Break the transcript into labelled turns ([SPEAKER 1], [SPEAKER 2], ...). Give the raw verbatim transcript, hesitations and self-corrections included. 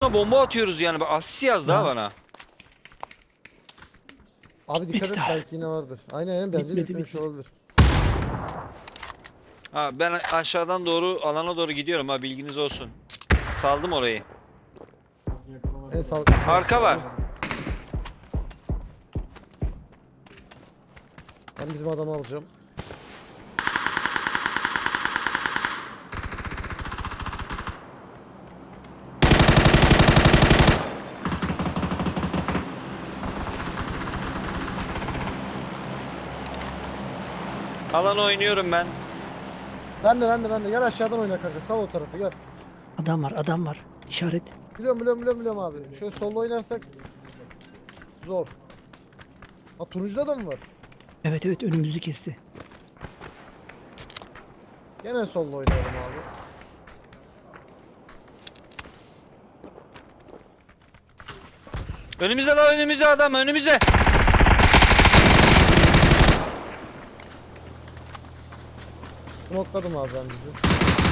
[SPEAKER 1] bomba atıyoruz yani. Bak asist yazdı ha bana.
[SPEAKER 2] Abi dikkat et,
[SPEAKER 3] Bitti.
[SPEAKER 2] belki yine vardır. Aynen aynen, bence de
[SPEAKER 3] Bitmedi,
[SPEAKER 2] bitmemiş
[SPEAKER 3] bitmedi.
[SPEAKER 2] olabilir.
[SPEAKER 1] Ha ben aşağıdan doğru alana doğru gidiyorum ha, bilginiz olsun. Saldım orayı.
[SPEAKER 2] En sağlıklısı.
[SPEAKER 1] Arka var.
[SPEAKER 2] Ben bizim adamı alacağım.
[SPEAKER 1] Alana oynuyorum ben.
[SPEAKER 2] Ben de ben de ben de gel aşağıdan oyna kanka, sal o tarafı gel.
[SPEAKER 3] Adam var, adam var. İşaret.
[SPEAKER 2] Biliyorum biliyorum biliyorum biliyorum abi. Şöyle solo oynarsak zor. Ha, turuncuda da mı var?
[SPEAKER 3] Evet evet, önümüzü kesti.
[SPEAKER 2] Gene solo oynayalım abi.
[SPEAKER 1] Önümüzde la, önümüzde adam, önümüzde.
[SPEAKER 2] Smokeladım abi ben bizi.